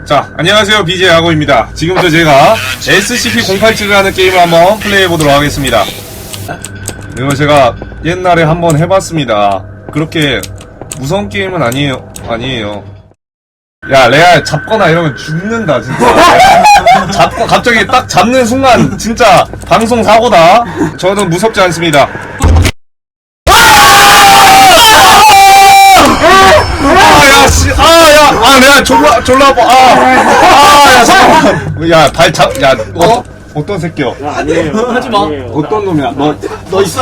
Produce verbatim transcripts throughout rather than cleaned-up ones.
자, 안녕하세요. 비제이 야구입니다. 지금부터 제가 에스시피 공팔칠이라는 게임을 한번 플레이해보도록 하겠습니다. 이거 제가 옛날에 한번 해봤습니다. 그렇게 무서운 게임은 아니에요. 아니에요. 야, 레알 잡거나 이러면 죽는다, 진짜. 잡고, 갑자기 딱 잡는 순간, 진짜 방송 사고다. 저는 무섭지 않습니다. 아, 야, 씨, 아, 야, 아, 내가 졸라, 졸라 아파. 아, 아, 야, 잠깐만. 야, 발 잡, 야, 어? 어떤 새끼야? 아니에요. 하지 마. 어떤 놈이야? 너, 너 있어.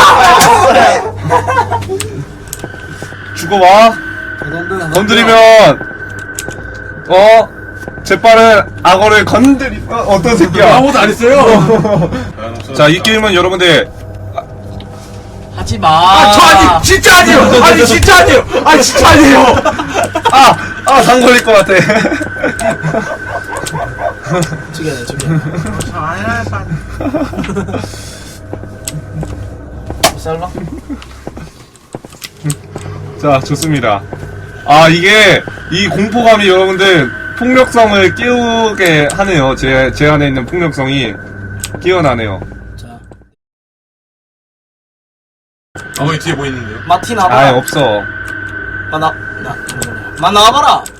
죽어봐. 건드리면, 어? 재빠른 악어를 건드리, 어, 어떤 새끼야? 아무것도 안 했어요. 자, 이 게임은 여러분들, 하지 마. 아, 저 아니, 진짜 아니에요! 아니, 진짜 아니에요! 아니, 진짜 아니에요! 아, 아, 당 걸릴 것 같아. 죽여야 죽여. 아야, 빨리. 쌀라? 자, 좋습니다. 아, 이게, 이 공포감이 여러분들 폭력성을 깨우게 하네요. 제, 제 안에 있는 폭력성이 깨어나네요. 자, 아, 거기 뒤에 뭐 있는데요? 마틴 아예 나와봐라. 없어. 마, 나, 나, 마 나와봐라.